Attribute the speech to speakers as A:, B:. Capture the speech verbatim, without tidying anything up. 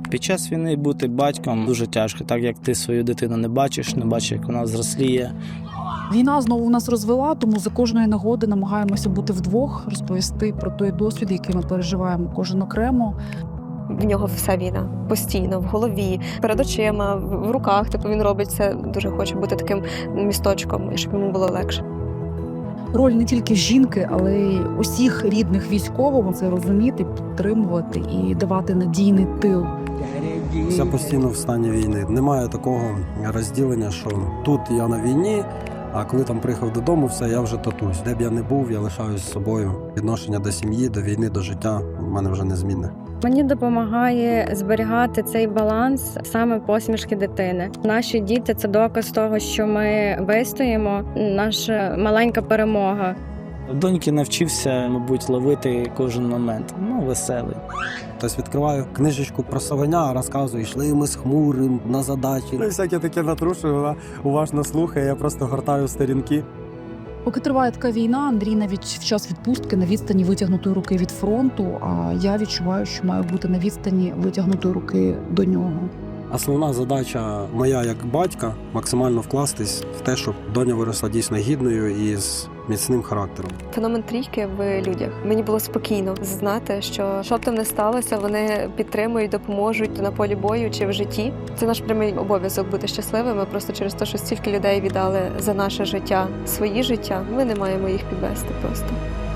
A: Під час війни бути батьком дуже тяжко, так як ти свою дитину не бачиш, не бачиш, як вона зросліє.
B: Війна знову нас розвела, тому за кожної нагоди намагаємося бути вдвох, розповісти про той досвід, який ми переживаємо кожен окремо.
C: В нього вся війна постійно в голові, перед очима, в руках. Типу він робить це, дуже хоче бути таким місточком, щоб йому було легше.
B: Роль не тільки жінки, але й усіх рідних військових це розуміти, підтримувати і давати надійний тил.
D: Я постійно в стані війни. Немає такого розділення, що тут я на війні, а коли там приїхав додому, все, я вже татусь. Де б я не був, я лишаюсь з собою. Відношення до сім'ї, до війни, до життя в мене вже незмінне.
E: Мені допомагає зберігати цей баланс саме посмішки дитини. Наші діти – це доказ того, що ми вистоїмо, наша маленька перемога.
A: Доньки навчився, мабуть, ловити кожен момент. Ну, веселий.
D: Тобто відкриваю книжечку про совеня, розказую, йшли ми з хмурим на задачі. Ну, всяке таке натрушую, вона уважно слухає, я просто гортаю сторінки.
B: Поки триває така війна, Андрій навіть в час відпустки на відстані витягнутої руки від фронту, а я відчуваю, що маю бути на відстані витягнутої руки до нього.
D: Основна задача моя як батька – максимально вкластись в те, щоб доня виросла дійсно гідною і з міцним характером.
C: Феномен трійки в людях. Мені було спокійно знати, що що б там не сталося, вони підтримують, допоможуть на полі бою чи в житті. Це наш прямий обов'язок бути щасливими. Просто через те, що стільки людей віддали за наше життя, свої життя, ми не маємо їх підвести просто.